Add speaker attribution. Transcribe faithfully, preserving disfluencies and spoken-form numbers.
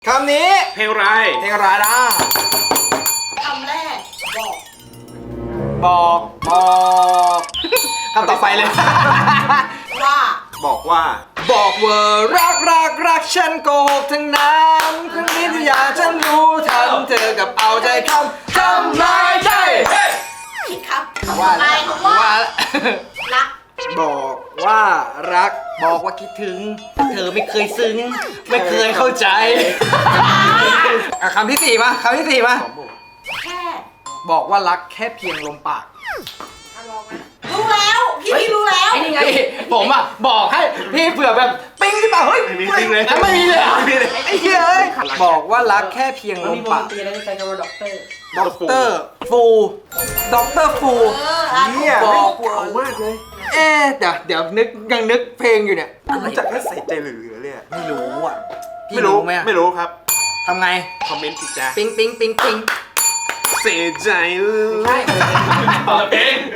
Speaker 1: คำนี้
Speaker 2: เพลงอะไร
Speaker 1: เพลงอะไรล่ะ
Speaker 3: คำแรกบอก
Speaker 1: บอกบอกคำต่อไปเลย
Speaker 3: ว่า
Speaker 2: บอกว่า
Speaker 1: บอกว่ารักรักรักฉันโกหกทั้งนั้นครั้งนี้ที่อยากฉันรู้ทันเธอกับเอาใจคำทำลายใจ
Speaker 3: ผิดครับคำต่
Speaker 1: ว่า
Speaker 3: อไป
Speaker 1: แล้ว
Speaker 3: คำว่า
Speaker 1: ว่า
Speaker 3: รัก
Speaker 1: บอกว่ารักบอกว่าคิดถึง เธอไม่เคยซึ้ง ไม่เคยเข้าใจอ่ะคำที่สี่มาคำที่สี่มา
Speaker 3: แค่
Speaker 1: บอกว่ารักแค่เพียงลมปาก
Speaker 3: เอาลองไหมรู้แล้วพี่พี่รู้แล้ว
Speaker 1: ไอ้นี่ไงผมอ่ะบอกให้พี่เผื่อแบบปิ้งขึ้นมาเฮ้ย
Speaker 2: ไม่มีปิ้งเลย
Speaker 1: แล้วไม่มีเลยเหรอ
Speaker 2: ไม่มีเลย
Speaker 1: ไอ้เหี้ยเอ้ยบอกว่ารักแค่เพียงล
Speaker 4: มัน
Speaker 1: ม
Speaker 4: มีวง
Speaker 1: ปาก
Speaker 4: ดนตรีแล้วใช้คำว่าด็อกเตอร์
Speaker 1: ด็อกเตอร์ฟูด็อกเตอร์ฟู
Speaker 3: เอออ่ะ
Speaker 2: เนี่ย
Speaker 1: บอก
Speaker 2: เก่ามากเลย
Speaker 1: เอ๊ะเดี๋ยวเดี๋ยวนึกยังนึกเพลงอยู่เนี่ย
Speaker 2: รู้จักแค่ใส่ใจเหลือๆเลยอะ
Speaker 1: ไม่รู้อ่ะพี่
Speaker 2: ไม่รู้
Speaker 1: ไหมอะ
Speaker 2: ไม่รู้ครับ
Speaker 1: ทำไง
Speaker 2: คอมเมนต์สิจ้า
Speaker 1: ปิ๊งปิ๊งปิ๊งปิ๊ง
Speaker 2: เสียใจ
Speaker 4: ใช่
Speaker 2: เพลง